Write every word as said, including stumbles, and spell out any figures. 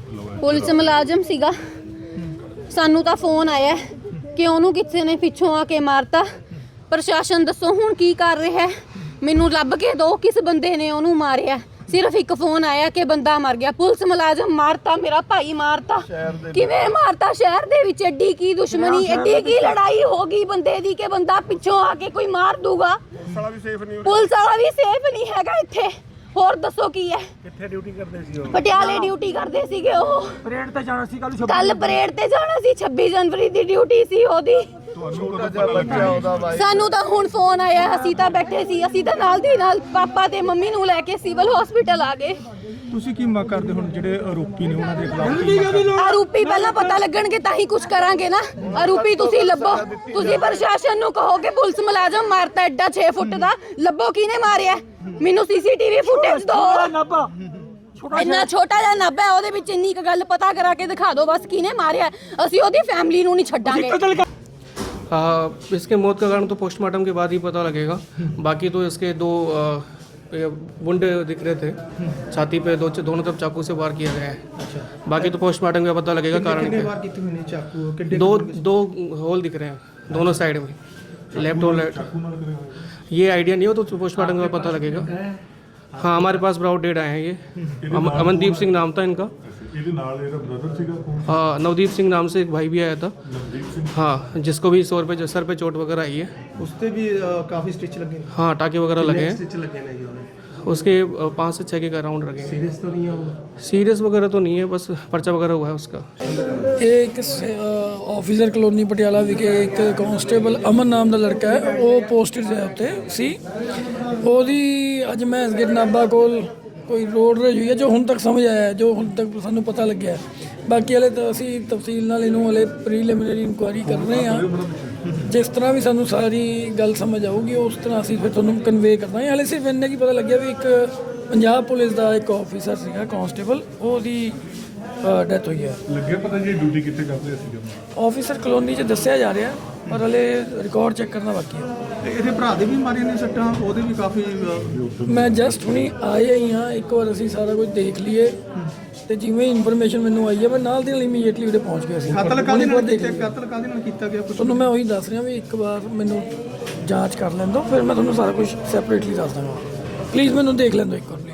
Police ਮੁਲਾਜ਼ਮ ਸੀਗਾ। ਸਾਨੂੰ ਤਾਂ ਫੋਨ ਆਇਆ ਕਿ ਉਹਨੂੰ ਕਿਸੇ ਨੇ ਪਿੱਛੋਂ ਆ ਕੇ ਮਾਰਤਾ। ਪ੍ਰਸ਼ਾਸਨ ਦੱਸੋ ਹੁਣ ਕੀ ਕਰ ਰਿਹਾ? ਮੈਨੂੰ ਲੱਭ ਕੇ ਦੋ ਕਿਸ ਬੰਦੇ ਨੇ ਉਹਨੂੰ ਮਾਰਿਆ। ਸਿਰਫ ਇੱਕ ਫੋਨ ਆਇਆ ਕਿ ਬੰਦਾ ਮਰ ਗਿਆ। ਪੁਲਿਸ ਮੁਲਾਜ਼ਮ ਮਾਰਤਾ, ਮੇਰਾ ਭਾਈ ਮਾਰਤਾ। ਕਿਵੇਂ ਮਾਰਤਾ? ਸ਼ਹਿਰ ਦੇ ਵਿੱਚ ਐਡੀ ਕੀ ਦੁਸ਼ਮਣੀ, ਐਡੀ ਕੀ ਲੜਾਈ ਹੋ ਗਈ ਬੰਦੇ ਦੀ ਕਿ ਬੰਦਾ ਪਿੱਛੋਂ ਆ ਕੇ ਕੋਈ ਮਾਰ ਦੂਗਾ। ਪੁਲਿਸ ਵਾਲਾ ਵੀ ਸੇਫ ਨਹੀਂ ਹੈਗਾ ਇੱਥੇ। ਹੋਰ ਦੱਸੋ ਕੀ ਹੈ? ਕਿੱਥੇ ਡਿਊਟੀ ਕਰਦੇ ਸੀ ਉਹ? ਪਟਿਆਲੇ ਡਿਊਟੀ ਕਰਦੇ ਸੀਗੇ ਉਹ। ਪਰੇਡ ਤੇ ਜਾਣਾ ਸੀ ਕੱਲ। ਕੱਲ ਪਰੇਡ ਤੇ ਜਾਣਾ ਸੀ, ਛੱਬੀ ਜਨਵਰੀ ਦੀ ਡਿਊਟੀ ਸੀ ਉਹਦੀ। ਸਾਨੂੰ ਤਾਂ ਹੁਣ ਫੋਨ ਆਇਆ, ਅਸੀਂ ਤਾਂ ਬੈਠੇ ਸੀ, ਅਸੀਂ ਤਾਂ ਨਾਲ ਦੀ ਨਾਲ ਪਾਪਾ ਤੇ ਮੰਮੀ ਨੂੰ ਲੈ ਕੇ ਸਿਵਲ ਹਸਪੀਟਲ ਆ ਗਏ। ਤੁਸੀਂ ਕੀ ਮੰਗ ਕਰਦੇ ਹੁਣ ਜਿਹੜੇ ਆਰੋਪੀ ਨੇ ਉਹਨਾਂ ਦੇ ਖਿਲਾਫ? ਆਰੋਪੀ ਪਹਿਲਾਂ ਪਤਾ ਲੱਗਣਗੇ ਤਾਂ ਹੀ ਕੁਝ ਕਰਾਂਗੇ ਨਾ। ਆਰੋਪੀ ਤੁਸੀਂ ਲੱਭੋ। ਤੁਸੀਂ ਪ੍ਰਸ਼ਾਸਨ ਨੂੰ ਕਹੋ ਕਿ ਪੁਲਿਸ ਮੁਲਾਜ਼ਮ ਮਾਰਤਾ ਐਡਾ ਛੇ ਫੁੱਟ ਦਾ, ਲੱਭੋ ਕਿਹਨੇ ਮਾਰਿਆ। ਮੈਨੂੰ ਸੀਸੀਟੀਵੀ ਫੁਟੇਜ ਦਿਓ। ਇੰਨਾ ਛੋਟਾ ਜਿਹਾ ਨੱਬ ਹੈ, ਉਹਦੇ ਵਿੱਚ ਇੰਨੀ ਕੁ ਗੱਲ ਪਤਾ ਕਰਾ ਕੇ ਦਿਖਾ ਦਿਓ ਬਸ ਕਿਹਨੇ ਮਾਰਿਆ। ਅਸੀਂ ਉਹਦੀ ਫੈਮਿਲੀ ਨੂੰ ਨਹੀਂ ਛੱਡਾਂਗੇ। हाँ, इसके मौत का कारण तो पोस्टमार्टम के बाद ही पता लगेगा। बाकी तो इसके दो वुंड दिख रहे थे छाती पे, दो दोनों तरफ चाकू से वार किया गया है। बाकी तो पोस्टमार्टम का पता लगेगा कारण क्या। दो दो होल दिख रहे हैं दोनों साइड में, लेफ्ट और राइट। ये आइडिया नहीं हो तो पोस्टमार्टम का पता लगेगा। हाँ, हमारे पास ब्राउड डेड आए हैं। ये अम, अमनदीप सिंह नाम था इनका। हाँ, नवदीप सिंह नाम से एक भाई भी आया था। हाँ, जिसको भी सौ रुपये सर पे चोट वगैरह आई है। उससे भी काफी स्टिच लगे। हाँ, टाके वगैरह लगे हैं। स्टिच लगे नहीं उसके पाँच से छः के राउंड रखे हैं। सीरियस तो नहीं है वो? सीरियस वगैरह तो नहीं है, बस पर्चा वगैरह हुआ है उसका। ਇਹ ਇੱਕ ਆਫੀਸਰ ਕਲੋਨੀ ਪਟਿਆਲਾ ਵਿਖੇ ਇੱਕ ਕਾਂਸਟੇਬਲ ਅਮਨ ਨਾਮ ਦਾ ਲੜਕਾ ਹੈ, ਉਹ ਪੋਸਟਡ ਹੈ ਉੱਤੇ ਸੀ। ਉਹਦੀ ਅੱਜ ਮੈਂ ਗਿਰ ਨਾਭਾ ਕੋਲ ਕੋਈ ਰੋਡ ਰੇਜ ਹੋਈ ਹੈ, ਜੋ ਹੁਣ ਤੱਕ ਸਮਝ ਆਇਆ, ਜੋ ਹੁਣ ਤੱਕ ਸਾਨੂੰ ਪਤਾ ਲੱਗਿਆ। ਬਾਕੀ ਹਲੇ ਤਾਂ ਅਸੀਂ ਤਫਸੀਲ ਨਾਲ ਇਹਨੂੰ ਹਲੇ ਪ੍ਰੀਲਿਮਿਨਰੀ ਇਨਕੁਆਇਰੀ ਕਰ ਰਹੇ ਹਾਂ। ਜਿਸ ਤਰ੍ਹਾਂ ਵੀ ਸਾਨੂੰ ਸਾਰੀ ਗੱਲ ਸਮਝ ਆਊਗੀ ਉਸ ਤਰ੍ਹਾਂ ਅਸੀਂ ਫਿਰ ਤੁਹਾਨੂੰ ਕਨਵੇ ਕਰਦਾਂਗੇ। ਹਲੇ ਸਿਰਫ ਇੰਨਾ ਕੀ ਪਤਾ ਲੱਗਿਆ ਵੀ ਇੱਕ ਪੰਜਾਬ ਪੁਲਿਸ ਦਾ ਇੱਕ ਆਫੀਸਰ ਸੀਗਾ ਕਾਂਸਟੇਬਲ, ਉਹਦੀ ਡੈਥ ਹੋਈ ਹੈ। ਲੱਗਿਆ ਪਤਾ ਜੀ ਡਿਊਟੀ ਕਿੱਥੇ ਕਰਦੇ ਸੀ? ਆਫੀਸਰ ਕਲੋਨੀ 'ਚ ਦੱਸਿਆ ਜਾ ਰਿਹਾ, ਪਰ ਹਲੇ ਰਿਕਾਰਡ ਚੈੱਕ ਕਰਨਾ ਬਾਕੀ ਹੈ। ਇਹਦੇ ਭਰਾ ਦੇ ਵੀ ਮਾਰੀਆਂ ਨੇ ਸੱਟਾਂ, ਉਹਦੇ ਵੀ ਕਾਫੀ। ਮੈਂ ਜਸਟ ਹੁਣੀ ਆਏ ਹੀ ਹਾਂ, ਇੱਕ ਵਾਰ ਅਸੀਂ ਸਾਰਾ ਕੁਝ ਦੇਖ ਲਈਏ ਤੇ ਜਿਵੇਂ ਇਨਫੋਰਮੇਸ਼ਨ ਮੈਨੂੰ ਆਈ ਹੈ ਮੈਂ ਨਾਲ ਦੀ ਨਾਲ ਇਮੀਡੀਏਟਲੀ ਉਹਦੇ ਪਹੁੰਚ ਗਿਆ ਸੀ। ਕਤਲ ਕਾਹਦੇ ਨਾਲ ਕੀਤਾ? ਕਤਲ ਕਾਹਦੇ ਨਾਲ ਕੀਤਾ ਗਿਆ? ਤੁਹਾਨੂੰ ਮੈਂ ਉਹੀ ਦੱਸ ਰਿਹਾ ਵੀ ਇੱਕ ਵਾਰ ਮੈਨੂੰ ਜਾਂਚ ਕਰ ਲੈਣ ਦਿਓ, ਫਿਰ ਮੈਂ ਤੁਹਾਨੂੰ ਸਾਰਾ ਕੁਝ ਸੈਪਰੇਟਲੀ ਦੱਸ ਦਾਂਗਾ। ਪਲੀਜ਼ ਮੈਨੂੰ ਦੇਖ ਲੈਣ ਦਿਓ ਇੱਕ ਵਾਰ।